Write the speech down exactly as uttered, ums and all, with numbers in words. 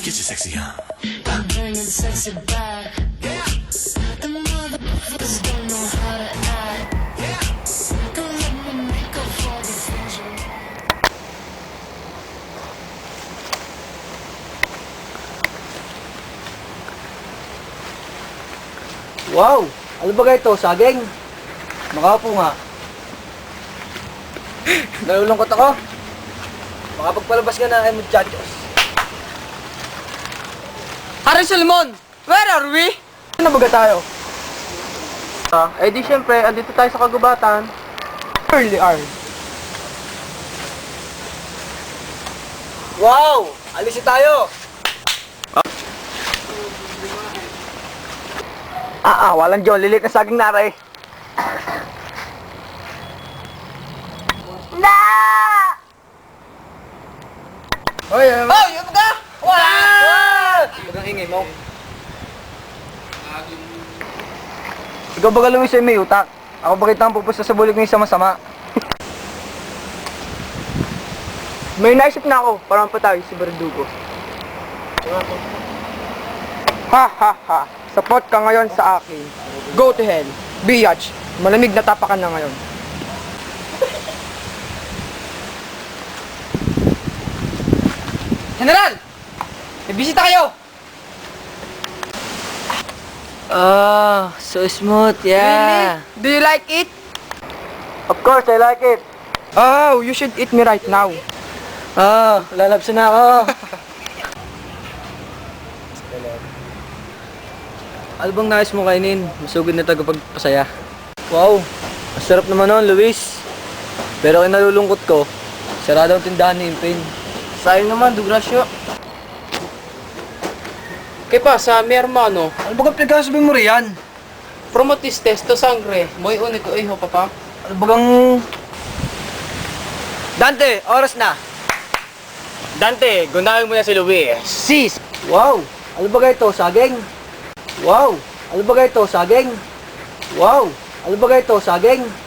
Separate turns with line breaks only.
Get your sexy on.
I'm bringing sexy back. Yeah. The motherfuckers don't know how to act. Yeah. Don't let me make up for the things you.
Wow! Ano ba ito? Saging? Makapo nga. Nalulungkot ako. Makapagpalabas ka na ay muchachos.
Harry Solomon, where are we?
Ano ba tayo? Ah, eh di syempre, andito tayo sa kagubatan. Early hour. Wow! Alisin tayo! Ah, ah, walang John. Lilit na saging naray. Na! Hoy, ano?
Oh, yun ka! Wala!
Huwag ang ingay mo. Ikaw ba galumin sa may utak? Ako ba kitang pupusta sa bulig ng sama-sama? May naisip na ako, parang patay si Verdugo. Ha ha ha! Support ka ngayon sa akin. Go to hell. Biatch. Malamig na tapakan na ngayon.
General! May bisita kayo!
Oh, so smooth, yeah.
Really? Do you like it?
Of course, I like it. Oh, you should eat me right now.
Oh, lalabs na ako. Ano bang nais mo kainin? Masugid na tagapagpasaya. Wow, masarap naman nun, Luis. Pero kinalulungkot ko, sarado ang tindahan ni Impin.
Sayang naman, Dugrasyo.
¿Qué pasa, mi hermano?
Ano ba kang pinagkasabi mo riyan?
Promotis testo sangre. Muy único hijo, papá.
Ano ba kang...
Dante, oras na. Dante, gunawin mo na si Luis.
Sis! Wow! Ano ba ito? Saging? Wow! Ano ba ito? Saging? Wow! Ano ba ito? Saging?